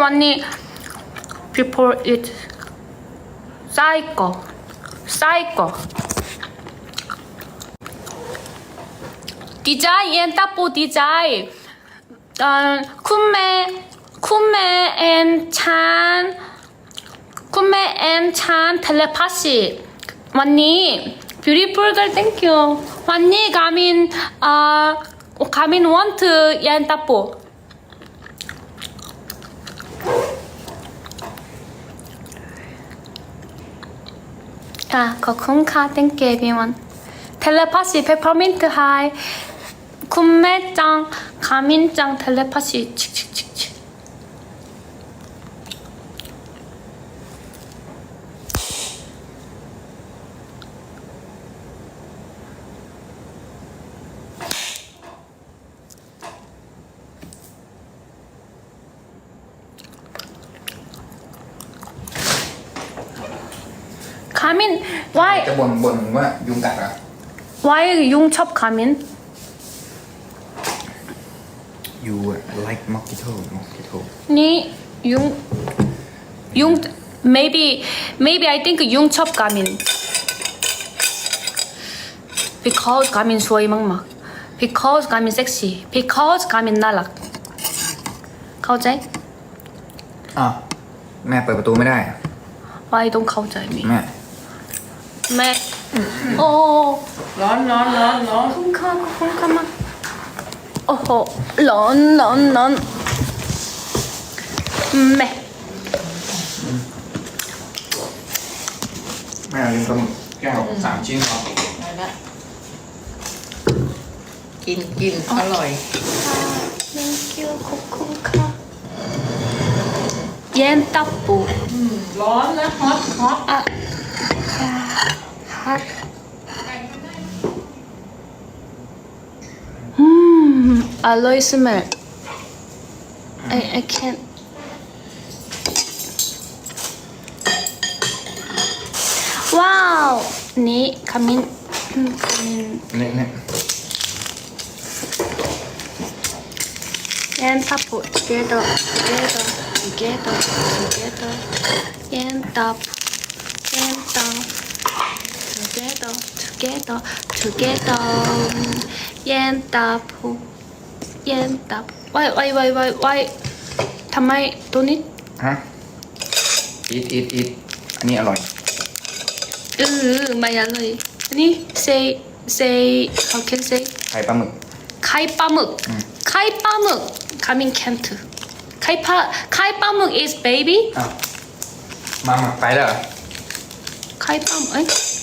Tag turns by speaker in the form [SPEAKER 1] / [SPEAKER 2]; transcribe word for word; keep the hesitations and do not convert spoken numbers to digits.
[SPEAKER 1] วันนี้ before it ไส้ก่อไส้ก่อดีใจเอ็นตาปูดีใจเอ่อคุณแม่คุณแม่เอ็นชันคุณแม่เอ็นชันเทเลพาซีวันนี้ beautiful girl thank you วันนี้กามินเอ่อกามิน want เอ็นตาปูอ่ะขอบคุณค่ะ thank you everyone เทเลพาซีเพปเปอร์มินต์ไฮคุณแม่จังคามินจังเทเลพาซีชิกชิกชิกชิกคามิน why
[SPEAKER 2] จะบ่นบ่นว่ายุงกัดเหรอ
[SPEAKER 1] why ยุงชอบคามิน
[SPEAKER 2] you like mosquito mosquito
[SPEAKER 1] นี่ยุงยุง maybe maybe I think ยุงชอบกามิน because กามินสวยมากๆ because กามินเซ็กซี่ because กามินน่ารักเข้าใจ
[SPEAKER 2] อ่ะแม่เปิดประตูไม่ได้
[SPEAKER 1] why ต้องเข้าใจมี
[SPEAKER 2] แม่
[SPEAKER 1] แม่โอ้
[SPEAKER 3] ร้อนร้อนร้อนร้อน
[SPEAKER 1] คุณค่ะคุณค่ะมาโอ้โหร้อนร้อนร้อนแม่
[SPEAKER 2] แม่ลืมปลาหมึกแก้วสามชิ้นเหรอ
[SPEAKER 3] มาละกินกินอร่อย
[SPEAKER 1] thank you ขอบคุณค่ะเย็นตับปู
[SPEAKER 3] ร้อนนะฮอตฮอต
[SPEAKER 1] อ่ะฮัทอืมอร่อยสมัย I I can't ว้าวนี่ขมิ้นอืมขมิ้น
[SPEAKER 2] เนี่ยเนี่ย
[SPEAKER 1] and tapu together together together together and tap and tap together together together and tapu and tap why why why why why ทำไมตัวนี้
[SPEAKER 2] ฮะ eat eat eat อันนี้อร่อย
[SPEAKER 1] เออไม่อร่อยอันนี้ say say how can say
[SPEAKER 2] ไข่ปลาหมึก
[SPEAKER 1] ไข่ปลาหมึกไข่ปลาหมึก coming can't ไข่ปลาไข่ปลาหมึก is baby
[SPEAKER 2] อ้าวมาหมักไปแล้วเหรอ
[SPEAKER 1] ไข่ปลาหมึกเอ้ย